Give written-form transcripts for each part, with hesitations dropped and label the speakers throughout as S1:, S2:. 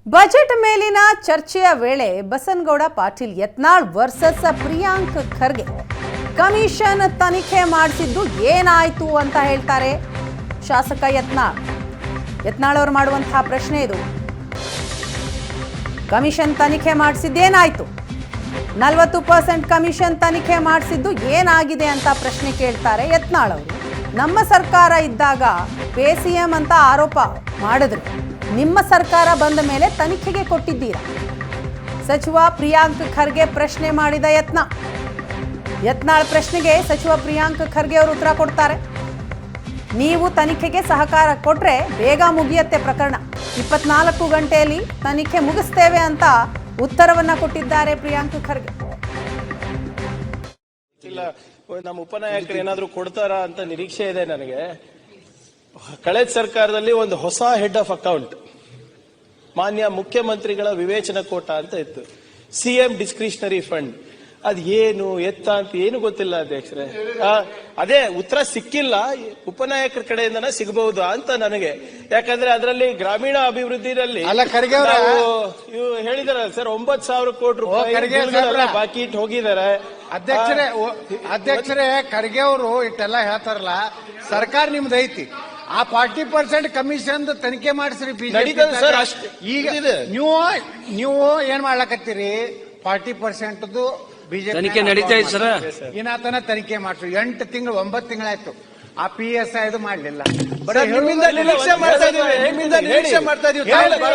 S1: Budget ಮೇಲಿನ ಚರ್ಚೆಯ ವೇಳೆ ಬಸನಗೌಡ ಪಾಟೀಲ್ ಯತ್ನಾಳ್ ವರ್ಸಸ್ ಪ್ರಿಯಾಂಕ್ ಖರ್ಗೆ ಕಮಿಷನ್ ತನಿಖೆ ಮಾಡಿಸಿದ್ದು ಏನಾಯ್ತು ಅಂತ ಹೇಳ್ತಾರೆ ಶಾಸಕ ಯತ್ನಾಳ್ ಅವರು ಮಾಡುವಂತಹ ಪ್ರಶ್ನೆ ಇದು. ಕಮಿಷನ್ ತನಿಖೆ ಮಾಡಿಸಿದ್ದೇನಾಯ್ತು, 40% ಕಮಿಷನ್ ತನಿಖೆ ಮಾಡಿಸಿದ್ದು ಏನಾಗಿದೆ ಅಂತ ಪ್ರಶ್ನೆ ಕೇಳ್ತಾರೆ ಯತ್ನಾಳ್ ಅವರು. ನಮ್ಮ ಸರ್ಕಾರ ಇದ್ದಾಗ ಪೇಸಿಎಂ ಅಂತ ಆರೋಪ ಮಾಡಿದ್ರು, ನಿಮ್ಮ ಸರ್ಕಾರ ಬಂದ ಮೇಲೆ ತನಿಖೆಗೆ ಕೊಟ್ಟಿದ್ದೀರಾ? ಸಚಿವ ಪ್ರಿಯಾಂಕ್ ಖರ್ಗೆ ಪ್ರಶ್ನೆ ಮಾಡಿದ ಯತ್ನಾಳ್ ಪ್ರಶ್ನೆಗೆ ಸಚಿವ ಪ್ರಿಯಾಂಕ್ ಖರ್ಗೆ ಅವರು ಉತ್ತರ ಕೊಡ್ತಾರೆ. ನೀವು ತನಿಖೆಗೆ ಸಹಕಾರ ಕೊಟ್ರೆ ಬೇಗ ಮುಗಿಯತ್ತೆ ಪ್ರಕರಣ, 24 ಗಂಟೆಯಲ್ಲಿ ತನಿಖೆ ಮುಗಿಸ್ತೇವೆ ಅಂತ ಉತ್ತರವನ್ನ ಕೊಟ್ಟಿದ್ದಾರೆ ಪ್ರಿಯಾಂಕ್ ಖರ್ಗೆ.
S2: ನಮ್ಮ ಉಪನಾಯಕರು ಏನಾದ್ರು ಕೊಡ್ತಾರಾ ಅಂತ ನಿರೀಕ್ಷೆ ಇದೆ ನನಗೆ. ಕಳೆದ ಸರ್ಕಾರದಲ್ಲಿ ಒಂದು ಹೊಸ ಹೆಡ್ ಆಫ್ ಅಕೌಂಟ್ ಮಾನ್ಯ ಮುಖ್ಯಮಂತ್ರಿಗಳ ವಿವೇಚನಾ ಕೋಟ ಅಂತ ಇತ್ತು, ಸಿಎಂ ಡಿಸ್ಕ್ರಿಷನರಿ ಫಂಡ್. ಅದ್ ಏನು ಎತ್ತ ಅಂತ ಏನು ಗೊತ್ತಿಲ್ಲ ಅಧ್ಯಕ್ಷರೇ. ಅದೇ ಉತ್ತರ ಸಿಕ್ಕಿಲ್ಲ, ಉಪನಾಯಕರ ಕಡೆಯಿಂದನೇ ಸಿಗಬಹುದು ಅಂತ ನನಗೆ. ಯಾಕಂದ್ರೆ ಅದರಲ್ಲಿ ಗ್ರಾಮೀಣ ಅಭಿವೃದ್ಧಿಯಲ್ಲಿ ಇವು ಹೇಳಿದಾರೆ ಸರ್, 9,000 ಕೋಟಿ ರೂಪಾಯಿ ಬಾಕಿ ಇಟ್ಟು ಹೋಗಿದ್ದಾರೆ.
S3: ಅಧ್ಯಕ್ಷರೇ ಖರ್ಗೆ ಅವರು ಇಟ್ಟೆಲ್ಲ ಹೇಳ್ತಾರಲ್ಲ, ಸರ್ಕಾರ ನಿಮ್ದು ಐತಿ, ಆ 40% ಕಮಿಷನ್ ತನಿಖೆ ಮಾಡಿಸ್ರಿ. ಈಗ ನೀವು ಏನ್ ಮಾಡ್ಲಕತ್ತೀರಿ? 40% ಬಿಜೆಪಿ
S4: ತನಿಖೆ ನಡೀತಾ ಇದೆ ಸರ್.
S3: ಇನ್ನಾತನ ತನಿಖೆ ಮಾಡಿಸ್ರಿ. 8 ತಿಂಗಳು 9 ತಿಂಗಳಾಯ್ತು, ಆ PSI ಇದು ಮಾಡ್ಲಿಲ್ಲ.
S2: ನಿರೀಕ್ಷೆ ಮಾಡ್ತಾ ಇದೀವಿ.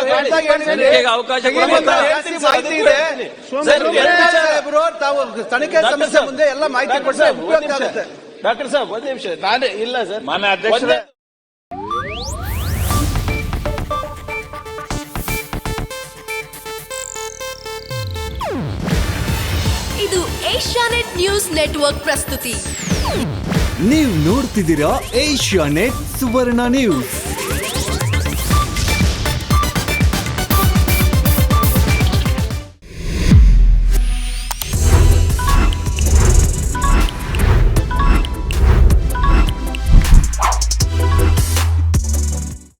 S5: ತಾವು ತನಿಖೆ ಸಮಸ್ಯೆ ಮುಂದೆ ಎಲ್ಲ ಮಾಹಿತಿ ಕೊಟ್ಟರೆ ಉಪಯುಕ್ತ ಆಗುತ್ತೆ.
S2: ಡಾಕ್ಟರ್ ಸಾಹೇಬ್ ಒಂದ್ ನಿಮಿಷ, ನಾನೇ ಇಲ್ಲ ಸರ್
S4: ಮಾನ್ಯ ಅಧ್ಯಕ್ಷರೇ.
S6: ಇದು ಏಷ್ಯಾನೆಟ್ ನ್ಯೂಸ್ ನೆಟ್ವರ್ಕ್ ಪ್ರಸ್ತುತಿ.
S7: ನೀವು ನೋಡ್ತಿದ್ದೀರಾ ಏಷ್ಯಾನೆಟ್ ಸುವರ್ಣ ನ್ಯೂಸ್.